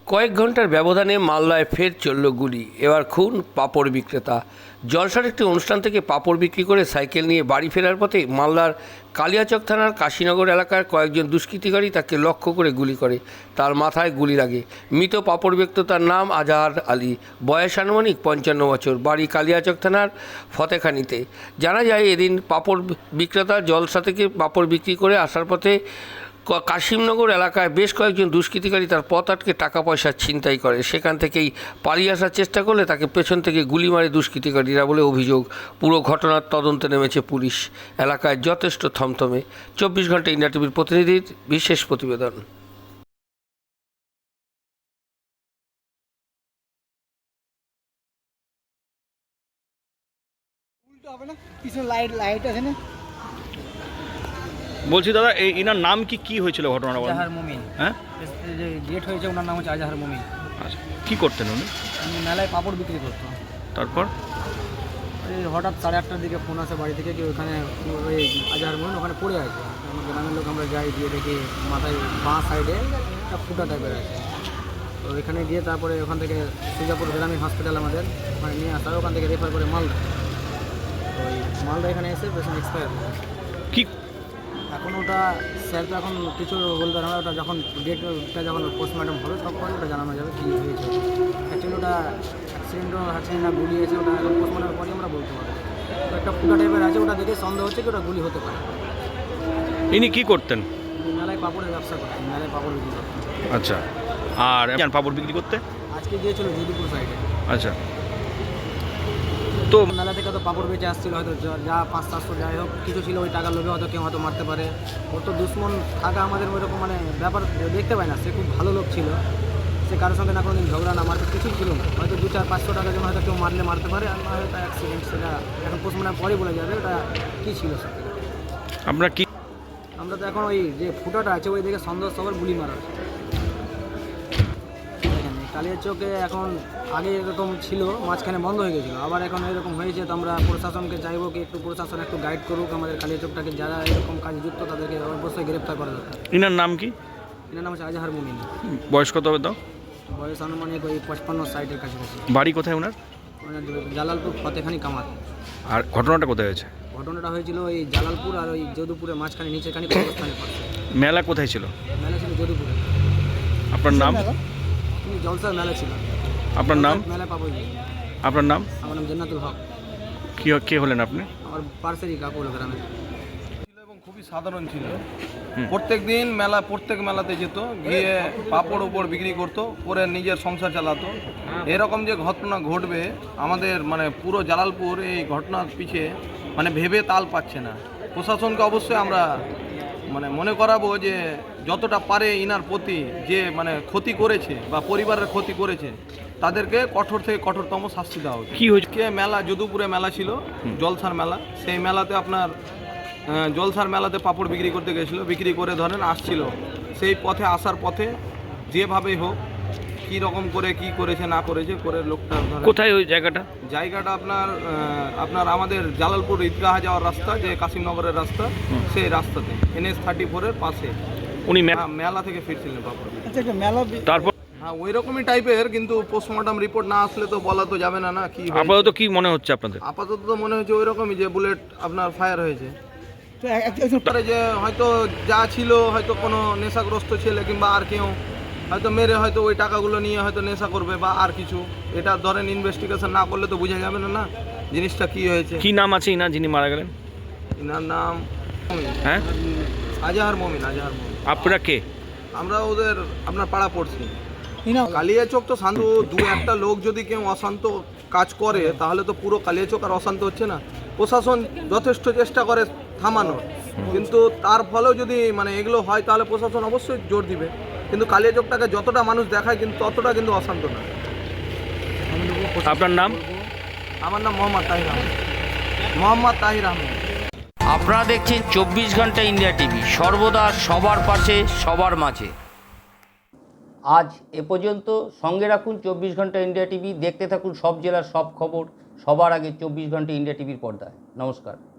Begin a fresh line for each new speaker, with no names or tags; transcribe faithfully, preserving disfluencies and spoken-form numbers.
কয়েক ঘন্টার ব্যবধানে মালদায় ফের চলল গুলি। এবার খুন পাঁপড় বিক্রেতা। জলসার একটি অনুষ্ঠান থেকে পাঁপড় বিক্রি করে সাইকেল নিয়ে বাড়ি ফেরার পথে মালদার কালিয়াচক থানার কাশীনগর এলাকার কয়েকজন দুষ্কৃতিকারী তাকে লক্ষ্য করে গুলি করে। তার মাথায় গুলি লাগে। মৃত পাঁপড় বিক্রেতার নাম আজহার আলী, বয়স আনুমানিক পঞ্চান্ন বছর, বাড়ি কালিয়াচক থানার ফতেখানিতে। জানা যায়, এদিন পাঁপড় বিক্রেতা জলসা থেকে পাঁপড় বিক্রি করে আসার পথে কাশিমনগর এলাকায় বেশ কয়েকজন দুষ্কৃতিকারী তার পথ আটকে টাকা পয়সা ছিনতাই করে। সেখান থেকেই পালিয়ে আসার চেষ্টা করলে তাকে পেছন থেকে গুলি মারে দুষ্কৃতিকারীরা বলে অভিযোগ। পুরো ঘটনার তদন্তে নেমেছে পুলিশ। এলাকায় যথেষ্ট থমথমে। চব্বিশ ঘন্টা ইন্ডিয়া টিভির প্রতিনিধির বিশেষ প্রতিবেদন।
লাইট লাইট আছে না।
বলছি দাদা, এই ইনার নাম কি কি হয়েছিল ঘটনাটা?
আজহার মুমিন।
হ্যাঁ,
যে ডেট হয়েছে ওনার নাম হচ্ছে আজহার মুমিন।
আচ্ছা, কী করতেন উনি?
আমি মেলায় পাঁপড় বিক্রি করতাম।
তারপর
ওই হঠাৎ সাড়ে আটটার দিকে ফোন আসে বাড়ি থেকে, কি ওখানে ওই আজহার মুমিন ওখানে পড়ে আছে। আমার গ্রামের লোক আমরা যাই, দিয়ে দেখি মাথায় বাঁ সাইডে একটা ফুটা টাইপের আছে। তো ওইখানে গিয়ে তারপরে ওখান থেকে সুজাপুর গ্রামীণ হসপিটাল আমাদের ওখানে নিয়ে আসা, ওখান থেকে রেফার করে মালদা। ওই মালদা এখানে এসে পেশেন্ট এক্সপায়ার
কি
এখন ওটা স্যার তো এখন কিছু বলতে পারে না। ওটা যখন ডেটটা যখন পোস্টমর্টম হবে তখন ওটা জানানো যাবে কী হয়েছে। অ্যাকচুয়ালি ওটা অ্যাক্সিডেন্টও আছে না গুলি আছে, ওটা এখন পোস্টমর্টমের পরই আমরা বলতে পারি। তো একটা ফুটা টাইপের আছে, ওটা দেখে সন্দেহ হচ্ছে কি ওটা গুলি হতে পারে।
ইনি কি করতেন?
মেলায় পাপড়ের ব্যবসা করতেন, মেলায় পাপড় বিক্রি করতেন।
আচ্ছা, আর যান পাঁপড় বিক্রি করতে?
আজকে গিয়েছিল যদুপুর সাইডে।
আচ্ছা, তো
মেলা থেকে তো পাপড় বেঁচে আসছিল, হয়তো যা পাঁচ সাতশো যাই হোক কিছু ছিল, ওই টাকার লোভে হয়তো কেউ হয়তো মারতে পারে। ওর তো দুশ্মন থাকা আমাদের ওইরকম মানে ব্যাপার দেখতে পাই না। সে খুব ভালো লোক ছিল, সে কারোর সঙ্গে না কোনো দিন ঝগড়া না মারতে কিছুই ছিল না। হয়তো দু চার পাঁচশো টাকার জন্য হয়তো কেউ মারলে মারতে পারে, আর হয়তো অ্যাক্সিডেন্ট, সেটা এখন পোস্টমর্টমের পরে বলে যাবে ওটা কী ছিল সেটা।
আপনার কি?
আমরা তো এখন ওই যে ফুটাটা আছে ওই দিকে সন্দেহ সবার গুলি মারা। কালিয়াচকে এখন আগে এরকম ছিল, মাঝখানে বন্ধ হয়ে গেছিলো, আবার এখন এরকম হয়েছে। তো আমরা প্রশাসনকে চাইবো কি একটু প্রশাসন একটু গাইড করুক আমাদের কালিয়াচকটাকে, যারা এরকম কাজে যুক্ত তাদেরকে অবশ্যই গ্রেপ্তার করা দরকার।
ইনার নাম কি?
এনার নাম হচ্ছে আজহার মুমিন।
বয়স কত হবে তাও?
বয়স আনুমানিক ওই পঁচপান্ন সাইটের কাছাকাছি।
বাড়ি কোথায় ওনার?
জালালপুর ফতেখানি কামাত।
আর ঘটনাটা কোথায় হয়েছে?
ঘটনাটা হয়েছিল ওই জালালপুর আর ওই যদুপুরের মাঝখানে নিচেখানি কবরস্থানের পাশে।
মেলা কোথায় ছিল?
মেলা ছিল যদুপুরে।
আপনার নাম?
তুমি জলসার মেলা ছিল।
আপনার নাম?
মেলা পাবো।
আপনার নাম?
আমার নাম জান্নাতুল হক।
কি কে হলেন আপনি?
আমার পার্সেরই কাকু হলো গ্রামে
ছিল এবং খুবই সাধারণ ছিল। প্রত্যেক দিন মেলা প্রত্যেক মেলাতে যেত, গিয়ে পাপড় উপর বিক্রি করতো, করে নিজের সংসার চালাতো। এরকম যে ঘটনা ঘটবে আমাদের মানে পুরো জালালপুর এই ঘটনার পিছে মানে ভেবে তাল পাচ্ছে না। প্রশাসনকে অবশ্যই আমরা মানে মনে করাবো যে যতটা পারে ইনার প্রতি যে মানে ক্ষতি করেছে বা পরিবারের ক্ষতি করেছে তাদেরকে কঠোর থেকে কঠোরতম শাস্তি দেওয়া উচিত।
কি হয়েছে?
মেলা যদুপুরে মেলা ছিল, জলসার মেলা। সেই মেলাতে আপনার জলসার মেলাতে পাপড় বিক্রি করতে গেছিলো, বিক্রি করে ধরেন আসছিল। সেই পথে আসার পথে যেভাবেই হোক কী রকম করে কি করেছে না করেছে করে লোকটা ধরে।
কোথায় ওই জায়গাটা?
জায়গাটা আপনার আপনার আমাদের জালালপুর ঈদগাহ যাওয়ার রাস্তা, যে কাশিমনগরের রাস্তা, সেই রাস্তাতে এনএস থার্টি ফোরের পাশে।
উনি
মেলা থেকে ফিরছিলেন পাপড়।
তারপর
হ্যাঁ, ওই রকমই টাইপের, কিন্তু পোস্টমর্টম রিপোর্ট না আসলে তো বলা তো যাবে না না কি হয়েছে।
আপাতত কি মনে হচ্ছে আপনাদের?
আপাতত তো মনে হচ্ছে ওই রকমই যে বুলেট আপনার ফায়ার হয়েছে। যে হয়তো যা ছিল হয়তো কোনো নেশাগ্রস্ত ছেলে কিংবা আর কেউ হয়তো মেরে হয়তো ওই টাকাগুলো নিয়ে হয়তো নেশা করবে বা আর কিছু। এটা ধরেন ইনভেস্টিগেশন না করলে তো বোঝা যাবে না না জিনিসটা কি হয়েছে।
কি নাম আছে ইনার যিনি মারা গেলেন?
ইনার নাম
হ্যাঁ
আজহার মমিন। আজহার মমিন।
আপনারা কে?
আমরা ওদের আপনার পাড়া পড়ছি। কালিয়াচক তো শান্ত, দু একটা লোক যদি কেউ অশান্ত কাজ করে তাহলে তো পুরো কালিয়াচক আর অশান্ত হচ্ছে না। প্রশাসন যথেষ্ট চেষ্টা করে থামানোর, কিন্তু তার ফলেও যদি মানে এগুলো হয় তাহলে প্রশাসন অবশ্যই জোর দিবে। কিন্তু কালিয়াচকটাকে যতটা মানুষ দেখায় কিন্তু ততটা কিন্তু অশান্ত না।
আপনার নাম?
আমার নাম মোহাম্মদ তাহির আহমেদ। মোহাম্মদ তাহির আহমেদ।
আপনারা দেখছেন চব্বিশ ঘন্টা ইন্ডিয়া টিভি, সর্বদা সবার পাশে সবার মাঝে। আজ এ পর্যন্ত। সঙ্গে রাখুন চব্বিশ ঘন্টা ইন্ডিয়া টিভি। দেখতে থাকুন সব জেলার সব খবর সবার আগে চব্বিশ ঘন্টা ইন্ডিয়া টিভির পর্দায়। নমস্কার।